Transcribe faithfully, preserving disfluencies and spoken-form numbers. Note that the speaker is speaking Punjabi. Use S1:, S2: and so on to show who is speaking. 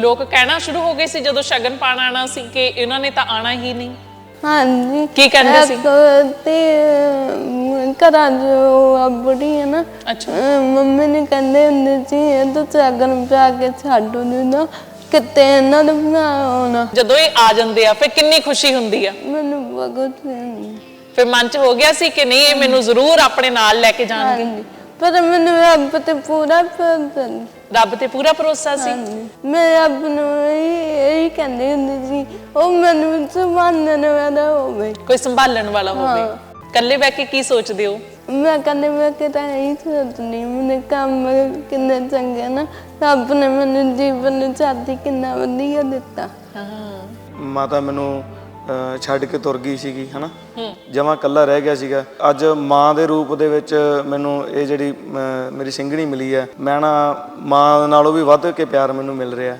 S1: ਲੋਕ ਕਹਿਣਾ ਸ਼ੁਰੂ ਹੋ ਗਏ ਸੀ ਜਦੋਂ ਸ਼ਗਨ ਪਾਣ ਆਣਾ ਸੀ ਕਿ ਇਹਨਾਂ ਨੇ ਤਾਂ ਆਣਾ ਹੀ ਨਹੀਂ?
S2: ਹਾਂਜੀ
S1: ਕੀ ਕਹਿੰਦੇ ਸੀ?
S2: ਤੇ ਘਰਾਂ ਜੋ ਬੁੜੀ ਹੈ ਨਾ,
S1: ਅੱਛਾ,
S2: ਮੰਮੀ ਨੇ ਕਹਿੰਦੇ ਹੁੰਦੇ ਸੀ ਇਹ ਤਾਂ ਸ਼ਗਨ ਪਾ ਕੇ ਛੱਡ ਦਿੰਦਾ ਕਿਤੇ ਇਹਨਾਂ ਨੂੰ ਬਣਾ ਆਉਣਾ।
S1: ਜਦੋਂ ਇਹ ਆ ਜਾਂਦੇ ਆ ਫਿਰ ਕਿੰਨੀ ਖੁਸ਼ੀ ਹੁੰਦੀ ਆ?
S2: ਮੈਨੂੰ ਬਹੁਤ
S1: ਫਿਰ ਮਨ ਚ ਹੋ ਗਿਆ ਸੀ ਕਿ ਨਹੀਂ ਇਹ ਮੈਨੂੰ ਜ਼ਰੂਰ ਆਪਣੇ ਨਾਲ ਲੈ ਕੇ ਜਾਣਗੇ?
S2: ਪਰ ਮੈਨੂੰ ਰੱਬ ਤੇ ਪੂਰਾ ਭਰੋਸਾ,
S1: ਰੱਬ ਤੇ ਪੂਰਾ ਭਰੋਸਾ ਸੀ।
S2: ਮੈਂ ਰੱਬ ਨੂੰ ਇਹੀ ਕਹਿੰਦੀ ਹੁੰਦੀ ਸੀ ਉਹ ਮੈਨੂੰ ਸੰਭਾਲਣ ਵਾਲਾ ਹੋਵੇ,
S1: ਕੋਈ ਸੰਭਾਲਣ ਵਾਲਾ ਹੋਵੇ। ਇਕੱਲੇ ਬਹਿ ਕੇ ਕੀ ਸੋਚਦੇ ਹੋ?
S2: ਮੈਂ ਕਹਿੰਦੇ ਮੈਂ ਕਿਤਾ ਇਹੀ ਸੋਚਦੀ ਮੈਨੂੰ ਕੰਮ ਕਿੰਨਾ ਚੰਗਾ ਨਾ, ਰੱਬ ਨੇ ਮੈਨੂੰ ਜੀਵਨ ਸਾਥੀ ਕਿੰਨਾ ਵਧੀਆ ਦਿੱਤਾ।
S3: ਮਾਤਾ ਮੈਨੂੰ ਛੱਡ ਕੇ ਤੁਰ ਗਈ ਸੀਗੀ ਹਨਾ, ਜਮਾਂ ਇਕੱਲਾ ਰਹਿ ਗਿਆ ਸੀਗਾ। ਅੱਜ ਮਾਂ ਦੇ ਰੂਪ ਦੇ ਵਿੱਚ ਮੈਨੂੰ ਇਹ ਜਿਹੜੀ ਮੇਰੀ ਸਿੰਘਣੀ ਮਿਲੀ ਹੈ, ਮੈਂ ਨਾ ਮਾਂ ਨਾਲੋਂ ਵੀ ਵੱਧ ਕੇ ਪਿਆਰ ਮੈਨੂੰ ਮਿਲ ਰਿਹਾ।